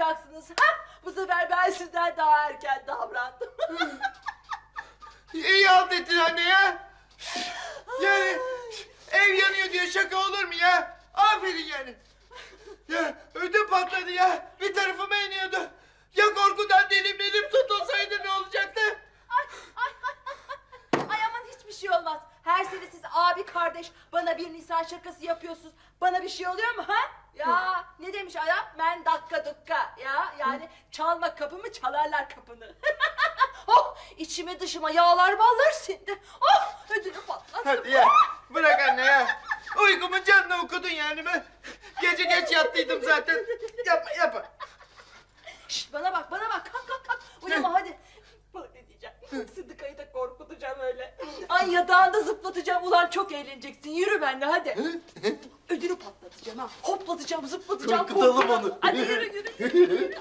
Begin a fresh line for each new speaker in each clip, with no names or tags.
olacaksınız. Ha? Bu sefer ben sizden daha erken davrandım.
İyi halt ettin anne ya. Yani ev yanıyor diye şaka olur mu ya? Aferin yani. Ya ödüm patladı ya. Bir tarafıma iniyordu. Ya korkudan dilim tutulsaydı ne olacaktı?
Ay aman hiçbir şey olmaz. Her sene siz abi kardeş bana bir Nisan şakası yapıyorsunuz. Bana bir şey oluyor mu ha? Ya ne demiş adam? Ben dakika dukka. Ya yani çalma kapımı çalarlar kapını. Oh içime dışıma yağlar ballar sindi. Oh ödünü patlattı.
Hadi ya bırak anne ya. Uykumun canını okudun yani ben. Gece geç yattıydım zaten. Yapma.
Şşt bana bak kalk. Uyuma hadi. Bak ne diyeceğim. Sıdıkayı da korkutacağım öyle. Ay yatağında zıplatacağım. Ulan çok eğleneceksin. Yürü benimle hadi. Ödünü patlatacağım ha. Hoplatacağım zıplatacağım.
Korkutalım
korkacağım.
onu.
Hadi yürü.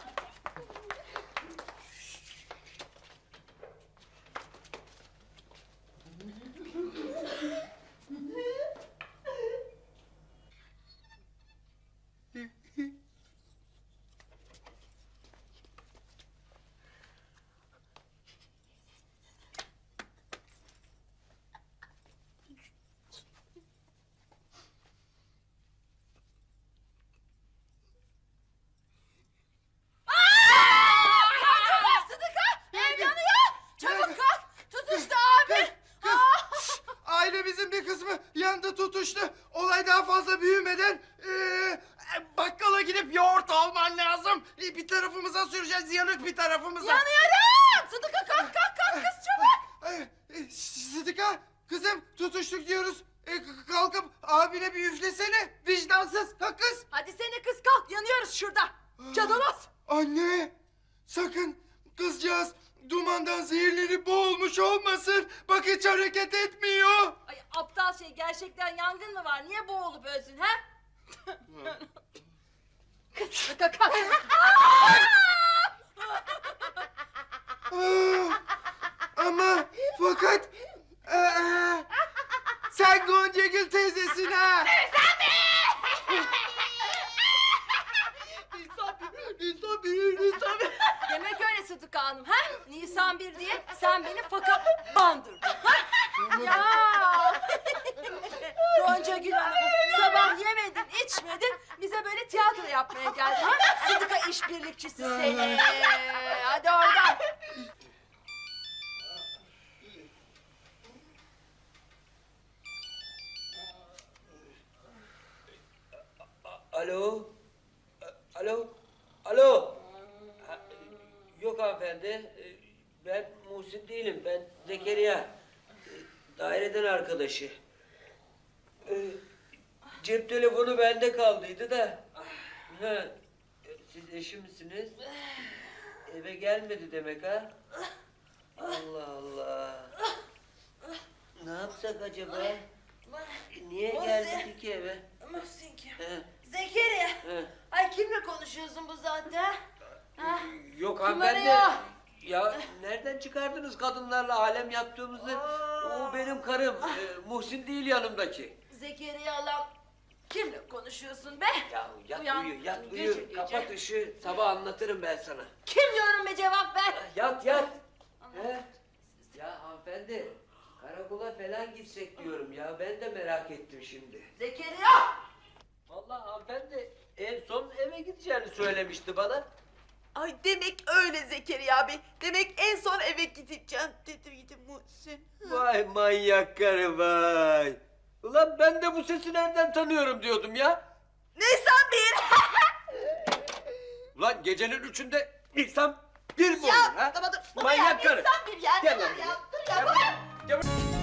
Ailemizin bir kısmı yandı tutuştu. Olay daha fazla büyümeden bakkala gidip yoğurt alman lazım. Bir tarafımıza süreceğiz, yanık bir tarafımıza.
Yanıyorum. Sıdıka kalk kız çabuk.
Sıdıka kızım tutuştuk diyoruz. Kalkıp abine bir üflesene. Vicdansız ha kız.
Hadi seni kız kalk. Yanıyoruz şurada. Cadaloz.
Anne sakın kızcağız dumandan zehirlenip boğulmuş olmasın. Bak hiç hareket etmiyor.
Ay aptal şey gerçekten yangın mı var? Niye boğulup ölsün ha? Kız Sıdıka kalk.
Ama fakat sen Goncagül teyzesin ha. Nisan bir.
Demek öyle Sıdıka Hanım ha? Nisan 1 diye sen beni fakat bandırdın ha? Ya! Gonca Gül Hanım sabah yemedin içmedin bize böyle tiyatro yapmaya geldin ha? Sıdıka işbirlikçisi seni. Hadi oradan.
Alo? Alo? Yok hanımefendi. Ben Muhsin değilim. Ben Zekeriya. Daireden arkadaşı. Cep telefonu bende kaldıydı da. Ha, siz eşi misiniz? Eve gelmedi demek ha? Allah Allah. Ne yapsak acaba? Niye gelmedi ki eve?
Muhsin kim?
He.
Zekeriya.
He.
Ay kimle konuşuyorsun bu saatte ha? Ha?
Yok
Kim
hanımefendi.
arıyor?
Ya nereden çıkardınız kadınlarla alem yaptığımızı? O benim karım. Muhsin değil yanımdaki.
Zekeriya lan kimle konuşuyorsun be?
Ya yat
Uyan.
uyu, yat
Gece
uyu.
gece.
Kapat ışığı, sabah anlatırım ben sana.
Kim diyorum be cevap ver.
Yat. He? Ya hanımefendi, karakola falan gitsek diyorum ya. Ben de merak ettim şimdi.
Zekeriya!
Vallahi hanımefendi en son eve gideceğini söylemişti bana.
Ay demek öyle Zekeriya Bey. Demek en son eve gideceğim dedi Muhsin.
Vay manyak karı vay. Ulan ben de bu sesi nereden tanıyorum diyordum ya.
Nisan bir.
Ulan gecenin 3'ünde Nisan 1 mi olur
Ya
ha?
tamam dur.
Manyak karı.
Nisan bir ya.
Gel lan
Ya
buraya.
dur ya.
Gel buraya.